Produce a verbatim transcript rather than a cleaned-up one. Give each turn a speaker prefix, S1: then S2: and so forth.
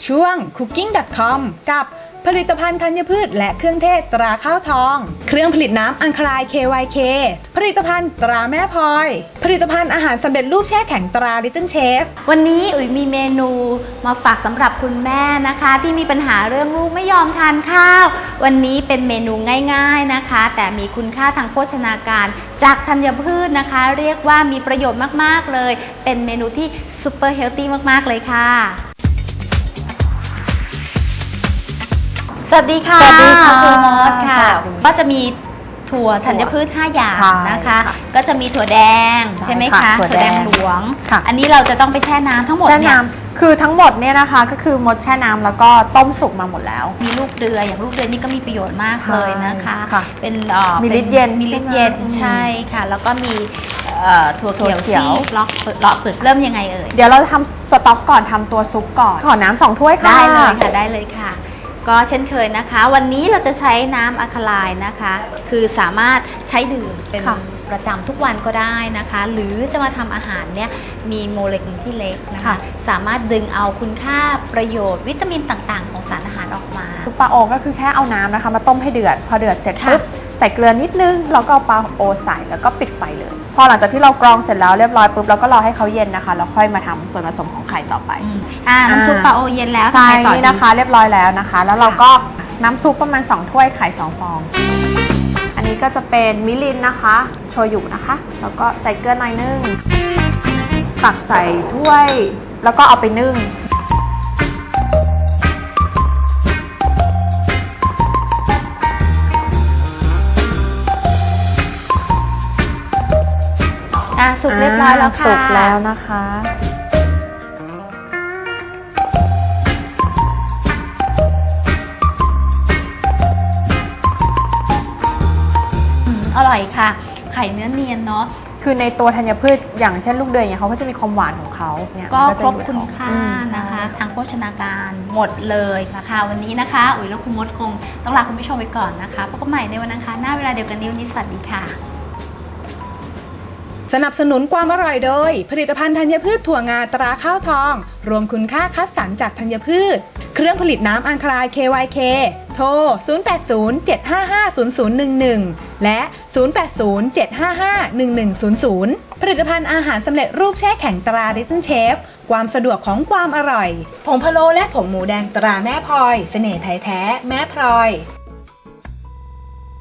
S1: ช่วง คุกกิ้ง ดอท คอม กับผลิตภัณฑ์ธัญพืชและเครื่องเทศตราข้าวทอง เครื่องผลิตน้ำอังคาราย เค วาย เค ผลิตภัณฑ์ตราแม่พลอย ผลิตภัณฑ์อาหารสำเร็จรูปแช่แข็งตรา Little Chef
S2: วันนี้อุ๋ยมีเมนูมาฝากสำหรับคุณแม่นะคะที่มีปัญหาเรื่องลูกไม่ยอมทานข้าววันนี้เป็นเมนูง่ายๆนะคะแต่มีคุณค่าทางโภชนาการจากธัญพืชนะคะเรียกว่ามีประโยชน์มากๆเลยเป็นเมนูที่ซูเปอร์เฮลตี้มากๆเลยค่ะสวัสดีค่ะ
S3: สวัสดีค่ะ
S2: ครูมดค่ะ
S3: สวัสดี
S2: ก็จะมีถั่วธัญพืชห้าอย่างนะคะ ก็จะมีถั่วแดงใช่ไหมคะ
S3: ถั่ว
S2: ถั่วแด
S3: แด
S2: ง
S3: ง
S2: หลวง
S3: ค่ะ
S2: อันนี้เราจะต้องไปแช่น้ำทั้งหมด
S3: แช่
S2: เนี่ย
S3: น้ำคือทั้งหมดเนี่ยนะคะก็คือมดแช่น้ำแล้วก็ต้มสุกมาหมดแล้ว
S2: มีลูกเรืออย่างลูกเรือนี่ก็มีประโยชน์มากเลยนะคะ
S3: ค่ะ
S2: เป็นเอ่อ
S3: มีฤทธิ์เย็น
S2: มีฤทธิ์เย็น
S3: ใช่ไหม
S2: ใช่ค่ะ แล้วก็มีเอ่อถั่วเขียว
S3: ถั่วเขียว
S2: ซีกล็อกเปลือกเลาะเปลือกเริ่มยังไงเอ่ย
S3: เดี๋ยวเราจะทำสต๊อกก่อนทำตัวซุปก่อนขอน้ำสองถ้วยค่ะ
S2: ได้เลยค่ะได้เลยค่ะ ก็เช่นเคยนะคะ วันนี้เราจะใช้น้ำอะคาไลน์นะคะ คือสามารถใช้ดื่มเป็น
S3: ค่ะ
S2: ประจำทุกวันก็ได้นะคะ หรือจะมาทำอาหารเนี่ยมีโมเลกุลที่เล็กนะคะ
S3: ค่ะ
S2: สามารถดึงเอาคุณค่าประโยชน์วิตามินต่างๆ ของสารอาหารออกมา
S3: ซุปปลาโอก็คือแค่เอาน้ำนะคะมาต้มให้เดือดพอเดือดเสร็จ
S2: ค่ะ
S3: ปุ๊บใส่เกลือนิดนึงแล้วก็เอาปลาโอใส่แล้วก็ปิดไฟเลย พอหลังจากที่เรากรองเสร็จแล้วเรียบร้อยปุ๊บเราก็รอให้เขาเย็นนะคะแล้วค่อยมาทำส่วนผสมของไข่ต่อไป
S2: อืมอ่าน้ำซุปปลาโอเย็นแล้ว
S3: ใช่
S2: ทำไงต่อดี
S3: นี่นะคะเรียบร้อยแล้วนะคะ แล้วเราก็น้ำซุปประมาณสองถ้วยไข่สองฟอง อันนี้ก็จะเป็นมิรินนะคะโชยุนะคะ แล้วก็ใส่เกลือหน่อยนึงตักใส่ถ้วยแล้วก็เอาไปนึ่ง
S2: อ่าสุกเรียบร้อยแล้วค่ะ
S3: สุกแล้วนะคะ
S2: อืมอร่อยค่ะ ไข่เนื้อเนียนเนาะ
S3: คือในตัวธัญพืชอย่างเช่นลูกเดือยเนี่ยเขาก็จะมีความหวานของเขาเนี่ย
S2: ก็
S3: มัน
S2: ครบ
S3: จะอยู่
S2: คุณค่า
S3: อืม
S2: นะคะ
S3: ใช่
S2: ทางโภชนาการหมดเลยนะคะวันนี้นะคะอุ๋ยและคุณมดคงต้องลาคุณผู้ชมไปก่อนนะคะพบกันใหม่ในวันอังคารหน้าเวลาเดียวกันนี้วันนี้สวัสดีค่ะ
S1: สนับสนุนความอร่อยโดย ผลิตภัณฑ์ธัญพืชถั่วงาตราข้าวทอง รวมคุณค่าคัดสรรจากธัญพืช เครื่องผลิตน้ำอังคาราย เค วาย เค โทร ศูนย์ แปด ศูนย์ เจ็ด ห้า ห้า ศูนย์ ศูนย์ หนึ่ง หนึ่ง และ ศูนย์ แปด ศูนย์ เจ็ด ห้า ห้า หนึ่ง หนึ่ง ศูนย์ ศูนย์ ผลิตภัณฑ์อาหารสำเร็จรูปแช่แข็งตรา Little Chef ความสะดวกของความอร่อย ผงพะโล้และผงหมูแดงตราแม่พลอย เสน่ห์ไทยแท้แม่พลอย